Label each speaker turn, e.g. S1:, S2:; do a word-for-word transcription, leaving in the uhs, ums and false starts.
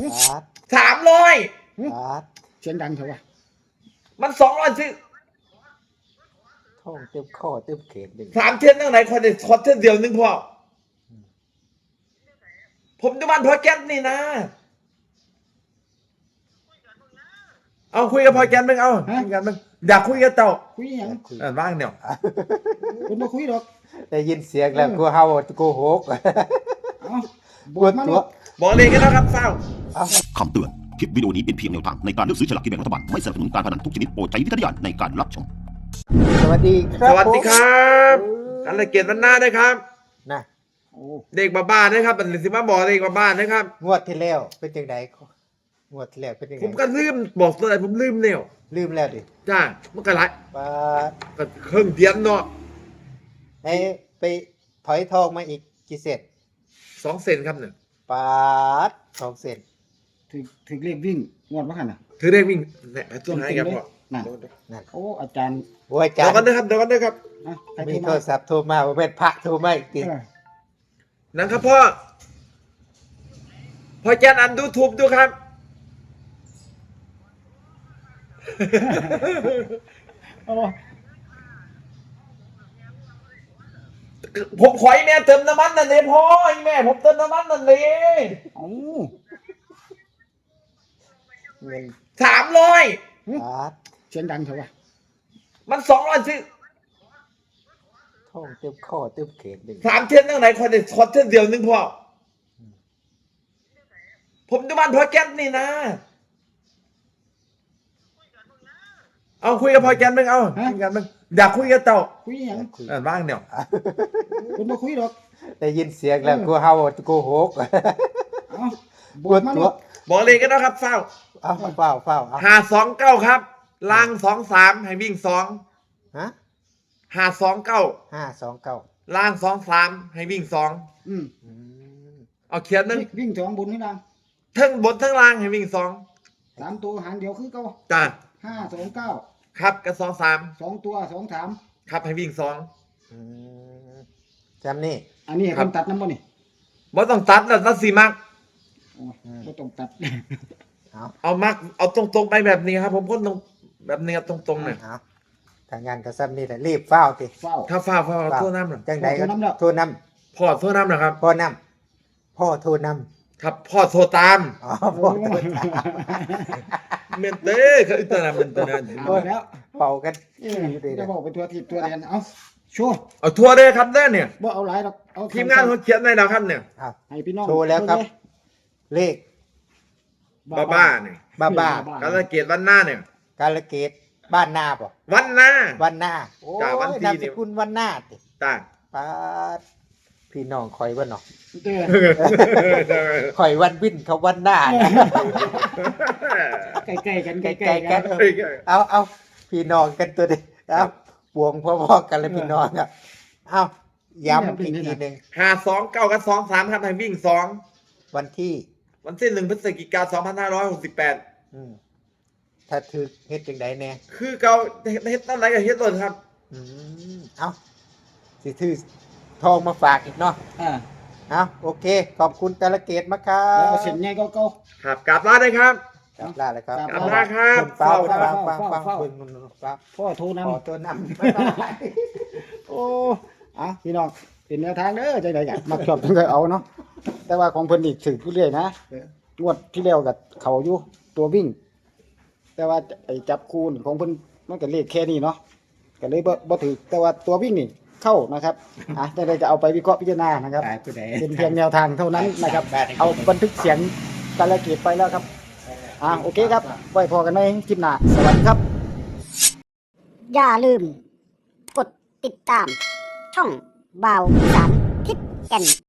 S1: บาท
S2: สามร้อย
S1: บาท
S3: เสียงดังเถอะวะ
S2: มันสองร้อยซื้อ
S1: ท่องเต็มข้อเต็มเขตเลย
S2: สามเทียนตั้งไหนคนเดียวคอนเทนเดียวนึงพอผมดูมันพอแก๊สนี่นะเอาคุยกับพอแก๊สมึงเอาคุยกันมึงอยากคุยกับเจ้า
S3: คุยหยัง
S2: อ่านบ้างเนี่ย
S3: คุณมาคุยดอก
S1: ได้ยินเสียงแล้วกูเฮากูโหก
S3: เอ้า
S1: ปวดตัว
S2: บอกเลยกันนะครับเฝ้า
S4: คำเตือน คลิปวิดีโอนี้เป็นเพียงแนวทางในการเลือกซื้อฉลากกินแบ่งรัฐบาล ไม่สนับสนุนการพนันทุกชนิดโปรดใช้วิจารณญาณในการรับชม
S1: สวัสดีครับ
S2: สวัสดีครับอันละเกียรติวันหน้าด้วยครับ
S1: นะ
S3: โอ้
S2: เด็กบ้านๆนะครับเป็นสิมาบอกเด็กบ้านๆนะครับ
S1: งวดที่แล้วเป็นจังไดงวดที่แล้วเป็นจังได
S2: ผมก็ลืมบอกตัวไหนผมลืมเนี่ย
S1: ลืมแล้วดิ
S2: จ้ามันก็ไร
S1: ปาด
S2: ก็เครื่องเทียนเนาะ
S1: ให้ไปถอยทองมาอีกกี่เศษ
S2: สองเซนครับเนี่ย
S1: ปาดสองเศษ
S3: ถึงถึงเรียกวิ่งงวดว่าขันน่ะ
S2: ถือได้วิ่งเนี่ยตัวไหนครับพ่อ
S3: นั่น
S1: นั่น
S3: โอ้อาจารย์
S1: โอ้ย
S2: เดี๋
S1: จ้า
S2: ยวกันนะครับเดี๋ยวกันนะครับ
S3: อ่ะใคร
S1: มี
S3: โทร
S1: โท
S3: มาร
S1: ศัพท์โทรมาว่าเป็นพระโทรมาอีกที
S3: เออ
S2: นะครับพ่อพ่อแจนอันดูทูบดูครับ
S3: โอ้
S2: ผมขอให้แม่เติมน้ำมันนั่นเลยพ่อไอ้แม่ผมเติมน้ำมันนั่นเลย
S3: เอ้า
S1: เงิน
S2: สามร้อย
S1: บาท
S3: เสียงดังเถอะวะ
S2: มันสองร้อยซื้อ
S1: ท่องเต็มข้อเต็มเขตเลย
S2: สามเทียนตั้งไหนคนเดียวคอนเทนเดียวนึงพอผมดูมันพอแก๊สนี่นะเอาคุยกับพอแก๊สมึงเอาคุยกันมึงอยากคุยกับเจ้า
S3: คุยหยัง
S2: อ่านบ้างเนี่ย
S3: คุณมาคุยดอก
S1: ได้ยินเสียงแล้วกูเฮากูโหก
S3: เอ้า
S1: ปวด
S3: มา
S1: ตั
S3: ลู
S1: ว
S3: ก
S2: บอกเลยกันนะครับเฝ้า
S1: เอาเฝ้าเฝ้าเอา
S2: หาสองเก้าครับล่างสองสามให้วิ่งสอง
S1: ฮะ
S2: หาสองเก้า
S1: ห้าสองเก้า
S2: ล่างสองสามให้วิ่งสอง
S3: อืม
S1: อืม
S2: เอาเขียนนึง
S3: วิ่งสองบนนี่นะ
S2: ทั้งบนทั้งล่างให้วิ่งสอง
S3: สามตัวหางเดียวคือเก้า
S2: จ้า
S3: ห้าสองเก้า
S2: ครับกับสองสาม
S3: สองตัวสองสาม
S2: ครับให้วิ่งสอง
S1: อืมจำนี่
S3: อันนี้ให้
S2: ครั
S3: ค
S2: บ
S3: นตัดน้ำบ่นี่
S2: บ่ต้องตัดแล้วตัดสีมัก
S3: โอ้ก็ต้องตัด
S1: เอา
S2: เอามักเอาตรงๆไปแบบนี้ครับ ผมก็ตรงแบบนี้ครับตรงๆเนี่ย
S1: เอาทางงานก็ซ้ำนี่แหละรีบเฝ้าติ
S3: เฝ้า
S2: ถ้าฟ้าฟ้าโทษน้ำหน่อย
S1: จังใดก็
S3: โทรนำแล้ว
S1: โทรน
S2: พ่อโทษน้ำหนะครับ
S1: ำพ่อนำพ่อโทรน
S2: ครับพ่อโทรตาม
S1: ำอ๋อพ่อโทรตาม
S2: เมนเต้เขาอิตานาเมนเตนะ
S3: เอาแล้ว
S1: เป่ากัน
S3: เออ
S1: อยู่ดี
S3: จะ
S1: นะ
S3: บอกเป็นตัวทิพตัวแดนเอาชัวร์
S2: เอาทัวร์เลยครับเด้อเนี่ย
S3: บ่เอาหลายหรอกเอา
S2: ทีมงานเขาเขียนไว้แล้วครับเนี่ย
S1: เอา
S3: ให้พี่น้อง
S1: โชว์แล้วครับ เลข
S2: บ้าบ้าๆเนี่ย
S1: บ้าบ้า
S2: กาลเกตวันหน้าเนี่ย
S1: กาลเกตบ้านนาบ่
S2: วันหน้า
S1: วันหน้าโอ้
S2: จ้ะวัน
S1: ย
S2: ที่
S1: นาม
S2: นี่
S1: สกุลวันหน้าติ
S2: ต่าง
S1: ป้าดพี่น้องคอยวันเนาะ
S3: เด้อ
S1: คอยวันวินเขาวันหน้านะ
S3: ใกล้ๆกันใก
S1: ใก
S3: ล้
S1: ล้
S3: ๆ
S1: ๆ
S3: กั
S1: กัน นเอาเอาพี่น้องกันตัวเดียวเอาบวงพ่อๆกันเลยพี่น้องอ่ะเอาย้ำอีกทีหนึ่ง
S2: หาสองเก้ากับสองสามครับให้วิ่งสอง
S1: วันที่
S2: วันที่หนึ่งพฤศจิกาสองพันห้าร้อยหกสิบแปด
S1: อืมถ้าถือเฮ็ดจังไดแน่
S2: คือเกาเฮ็ดตั้งไหนกับเฮ็ดต้นครับ
S1: อืมเอาสิถือทองมาฝากอีกเนาะ
S3: อ่า
S1: เอาโอเค ขอบคุณกาลเกตมากครั
S3: แล้ว
S1: บ
S3: ก็เส้นใหญ่เก่า
S2: ครับกราบลาได้ครับ
S1: กลับลาเลยครับ
S3: กลับ
S2: ลาครับ
S1: เฝ้า
S3: เฝ้า
S1: ฟังฟัง
S3: เฝ้า
S1: ฟัง
S3: เฝ้า
S1: ฟังฟัง
S3: ๆพ่อโทรนำ
S1: ขอตัวนำบ๊ายบาย
S3: โอ้อ่ะพี่น้องเป็นแนวทางเด้อใจใดอยากมักชอบจังไดเอาเนาะแต่ว่าของเพิ่นนี่ถือผู้เรื่อยนะงวดที่แล้วกับเขาอยู่ตัววิ่ง แต่ว่าไอ้จับคูณของเพิ่นมันก็เลขแค่นี้เนาะก็เลยบ่บ่ถือแต่ว่าตัววิ่งนี่เข้านะครับอ่ะแต่ใดจะเอาไปวิเคราะห์พิจารณานะครับ
S1: ตายผู้ใด
S3: เป็นเพียงแนวทางเท่านั้นนะครับ เอาบันทึกเสียงการละเกียดไปแล้วครับ อ่าโอเคครับ ไว้พอกันในคลิปหน้า สวัสดีครับ
S5: อย่าลืม กดติดตาม ช่องบ่าวสารทิศแก่น